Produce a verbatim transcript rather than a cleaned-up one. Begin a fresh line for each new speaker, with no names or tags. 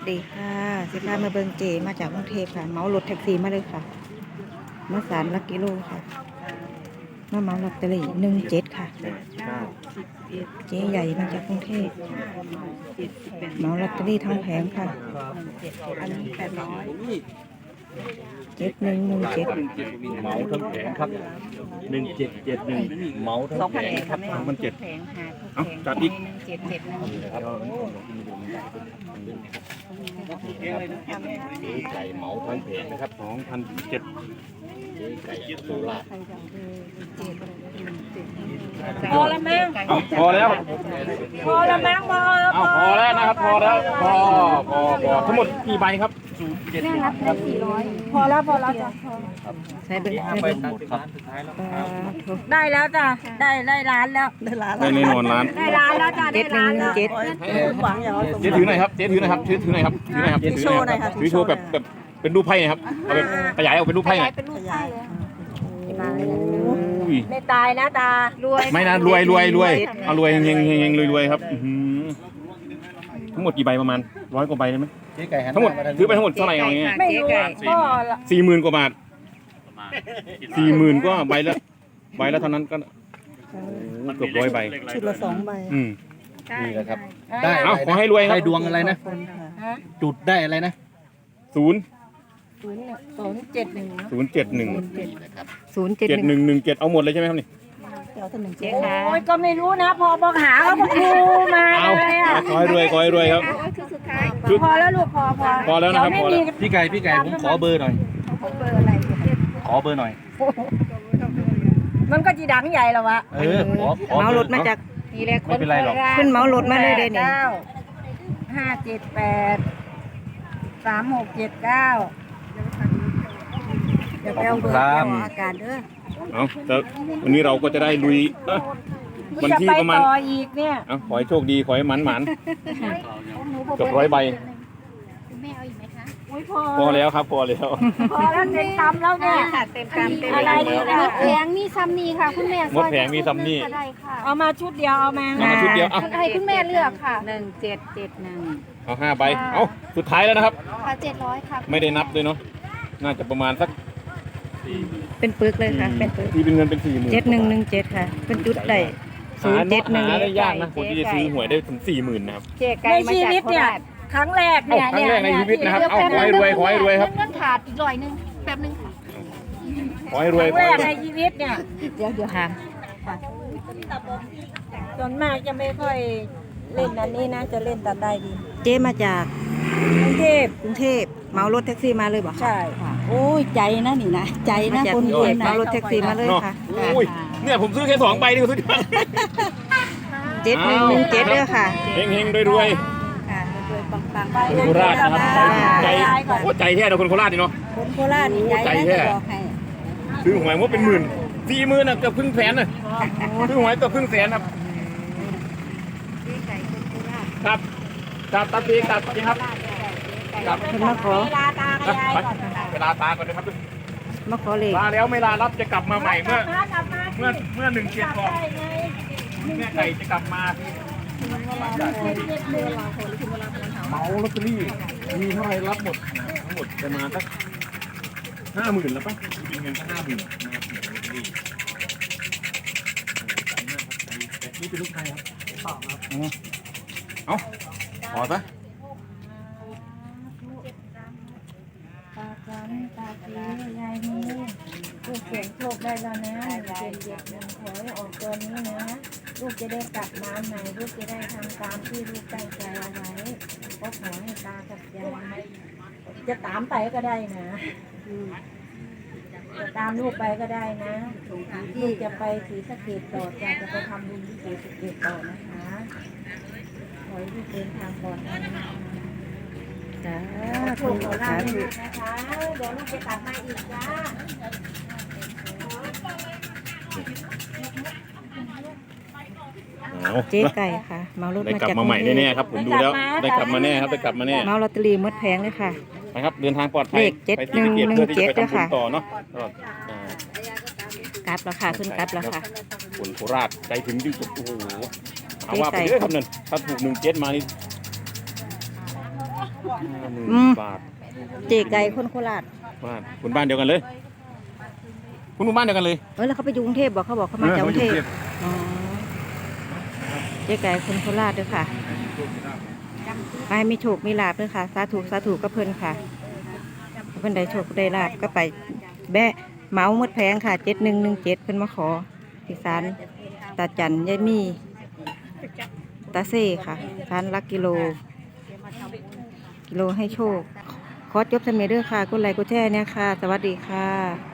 ดีค่ะสิพามาเบิงเจมาจากกรุงเทพค่ะเหมารถแท็กซี่มาเลยค่ะมาสามลักกิโลค่ะมาเหมาลอตเตอรี่หนึ่งเจ็ดค่ะเจ๊ใหญ่มาจากกรุงเทพเหมาลอตเตอรี่ทั้งแผงค่ะอันนี้แปดร้อยเจ็ดหนึ่งหนึ่งเจ็ด
เหมาทั้งแผงครับหนึ่งเจ็ดเจ็ดหนึ่งเหมาทั้งแผงครับสองพันเจ็ดเอ้าจัดอีก
เจ็ดเจ็ดนะ
ไก่เหมาทั้งแผงนะครับสองพันเจ็ดไก่โซล่า
พอแล้วมั้ง
พอแล้ว
พอแล้วมั้งพอแล้ว
เอาพอแล้วนะครับพอแล้วพอพอพอทั้งหมดกี่ใบครับศูนย์เจ็ด
พอแล้วพอแล้วจ้ะ
ใช้เบิ้ง
ใบหมดครับ
ได้แล้วจ้ะได้ได้ร้านแล้ว
ได้ล้าน
ได้แน่นอนร้าน
ได้ร้านแล้วจ้ะ
เจ็
ได้
ดหนึ่
ร้าง น
หนึ่
แล้ว
งเจ็ด
หวังอย่างว่า
เจ๊ถือหน่อยครับเจ๊ถือหน่อยครับถือถือหน่อยครับถือหน่อยครับถือโชว์หน่อยครับถือโชว์แบบแบบเป็นรูปไพ่นะครับเอาแบบขยายออกเป็นรูปไพ่หน่อย
เป็นลูกไส้เลย
อุ้ย
ไม่ตายนะตารวย
ไม่นะรวยรวยรวยเอารวยเฮงเฮงเฮงรวยรวยครับอื้อหือทั้งหมดกี่ใบประมาณร้อยกว่าใบได้ไหมทั้งหมดซื้อไปทั้งหมดเท่าไหร่เอาอย่างเงี้ย
ไม่รู้พ่อละ
สี่หมื่นกว่าบาทสี่หมื่นก็ใบละใบละเท่านั้นก็เกือบร้อยใบ
ชุดละสองใบ
อืม
นี่แหละครับ
ได้
เอาขอให้รวยครับ
ได้ดวงอะไรนะ
ฮะ
จุดได้อะไรนะ
ศูนย์
ศูนย์ศูนย์เจ็ดหนึ่ง
ศูนย์เจ็ดหนึ่ง
ศูนย์เจ็ด
เจ็ด
ห
ห
นึ่
นึ่
ง
งหนึ่งเจ็ดเอาหมดเลยใช่ไหมครับนี่
เดี๋ยวท่านหนึ่งเจ็ด
โอ้ยก็ไม่รู้นะพอบอกหาเขาบอกดูมา
เอา
เลยอ่ะ
ขอให้รวยขอให้รวยครับ
พอแล้วลูกพอพอ
พอแล้วนะครับ
เดี๋ย
พอ
ไม่
แล้ว
มี
พี่ไก่พี่ไก่ผมขอเบอร์หน่อย
เบอร์อะไร
ขอเบอร์หน่อย
มันก็จีดังใหญ่แล้ววะ
เออขอขอ
เหมา
เบ
ร
อ
ถ
ร์
มาจาก
ทีแรก
ไม่เป็นไรหรอก
ขึ้นเหมารถมาเลยเด้นี่
เก้าห้าเจ็ดแปดสามหกเจ็ดเก้าเดี๋ยวไปเอาเบอร์เอาอากาศเด้อ
เอาแต่วันนี้เราก็จะได้ลุยเอ้อวันที่ประมาณ
จไปต่ออีกเนี่ย
เอาขอให้โชคดีขอให้หมันหมันเกือบร้อยใบ
อุ้ยพอ
พอแล้วครับพอแล้ว
พอแล้วเต็มคำแล้วเนี่ย
เต็มกำเต็ม
อะไรดีนะ
แผงมีซัมนี่ค่ะคุณแม่
หมดแผงมีซัมนี่
ก็ได้ค่ะ
เอามาชุดเดียวเอามา
เอามาชุดเดียวเอา
ให้คุณแม่เลือกค่ะ
หนึ่งเจ็ดเจ็ดหนึ่ง
เอาห้าใบเอาสุดท้ายแล้วนะครับ
ค่ะเจ็ดร้อยค่ะ
ไม่ได้นับด้วยเนาะน่าจะประมาณสัก
เป็นปึกเลยค่ะเป็นปึก
ที่เป็นเงินเป็นสี่หมื่น
เจ็ดหนึ่งหนึ่งเจ็ดค่ะ เป็นจุดได้ศูนย์เจ็ดหนึ่ง
หาได้ยากนะคนที่จะซื้อหวยได้ถึงสี่หมื่นนะครับ
เจ๊ไก่
ใน
มา
ชี
จาก
วิต
โค
เนี่ย
ราช
ครั้งแรกเนี่ย
ครั้งแรกในชีวิตนะครับ
เดี๋ยว
เอา
แป๊บ
ขอให้รวยขอให้รวยครับ
เงินขาดอีกร้อยหนึงแป๊บนึงค่ะ
ขอให้ร
ค
วย
รั้ง
ขอ
แร
ให้
ก
รวย
ในชีวิตเนี่ย
เดี๋ยวเดี๋ยวค่ะ
ส่วนมากจะไม่ค่อยเล่นอันนี้นะจะเล่นแต่ได้ดี
เจ๊มาจาก
กรุงเทพ
กรุงเทพเหมารถแท็กซี่มาเลยบ่คะ
ใช่
โอ้ยใจนะนี่นะใจนะคนรวยเหมารถแท็กซี่มาเลย
เนาะ
ค่ะ
อุ้ยเนี่ยผมซื้อแค่สองใบนี่ก็สุดยอด
เจ็ดหนึ่งหนึ่งเจ็ดเด้อค่ะ
เฮงเฮงรวยรวย
ค่ะรวยปังปัง
ไป
ๆคนโคราชนะครับใจโอ้ใจแท้เราคนโคราชนี่เนาะ
คนโคราชนี่ใจ
ใจ
นะ
แท้
จะบอกให้
ซื้อหวยว่าเป็นหมื่นสี่หมื่นน่ะเกือบครึ่งแสนน่ะซื้อหวยเกือบครึ่งแสนครับครับครับตัดปีตัดจริงครับครับ
คนมาขอ
เวลาตากับยายก่อน
เวลาตาก่อนนะครับ
มาขอเลข
ลาแล้วไม่ลารับจะกลับมาใหม่เมื่อ
กลับมา
เมื่อเมื่อหนึ่งเจ็ดก่อน
ได้ไง
แม่ไก่จะกลับมาเหมาลอตเตอรี่มีเท่าไหรรับหมดทั้งหมดประมาณสักห้าหมื่นแล้วป่ะเป็นเงินสักห้าหมื่นมาเสียลอตเตอรี่นี่เป็นลูกใครครับเอาขอซะ
ตาจันตาจียายนี้ลูกเสียงโชคได้แล้วนะเจ็ดเจ็ดหนึ่งขอให้ออกตัวนี้นะลูกจะได้กลับมาใหม่ลูกจะได้ทำตามที่ลูกตั้งใจเอาไว้ก็ขอให้ตากับยายจะตามไปก็ได้นะจะตามลูกไปก็ได้นะลูกจะไปศรีสะเกษต่อจะจะไปทำบุญที่ศรีสะเกษต่อนะคะขอให้ลูกเดินทางปลอดภัยนะคะ
สา
ข
ธุ
อโชคขอลา
สา
ภ
ธุ
นะคะ เดี๋ยวลูกจะกลับมาอีกจ้า
เอา
เจ๊ไก่ค่ะเหมารถ
ได้
มาก
ลับ
จาก
มาใหม่
กรุงเท
แน่
พ
ๆครับผมดูแล้วได้กลับมาแน่ครับได้กลับมาแน่
เหมาลอตเตอรี่หมดแพงเลยค่ะ
ไปครับเดินทางปลอดภัย
เลขเจ็ด
ไปที่สะเกษ
หนึ่ง
เพื่อที่จะไป
หนึ่งเจ็ด
ทำบุญ
ค่ะ
ต่อเนาะตลอดอ่าก
ลับแล้วค่ะขึ้นกลับแล้วค่ะ
คนโคราชใจถึงที่สุดโอ้โหเอา
เจ๊
ว่าไป
ไก่
เรื่อยครับนั่นถ้าถูกหนึ่งเจ็ดมานี่ห้าหมื่น
อืม
บาท
เจไก่คนโคราช
บ้านคุณบ้านเดียวกันเลย คุณหมู่บ้านเดียวกันเลย
เออแล้วเขาไปอยู่กรุงเทพบอกเขาบอกเขามาจากกรุงเทพอ๋อเจ๊ไก่คนโคราชด้วยค่ะไปให้มีโชคมีลาบด้วยค่ะ สาธุสาธุก็เพิ่นค่ะเพิ่นได้โชคได้ลาบก็ไปแบะเหมาหมดแพงค่ะเจ็ดหนึ่งหนึ่งเจ็ดเพิ่นมาขอที่ศาลตาจันยายมีตาเซ่ค่ะศาลลักกิโล กิโลให้โชค ขอจบสมัยเด้อค่ะกดไลค์กดแชร์เนี่ยค่ะ สวัสดีค่ะ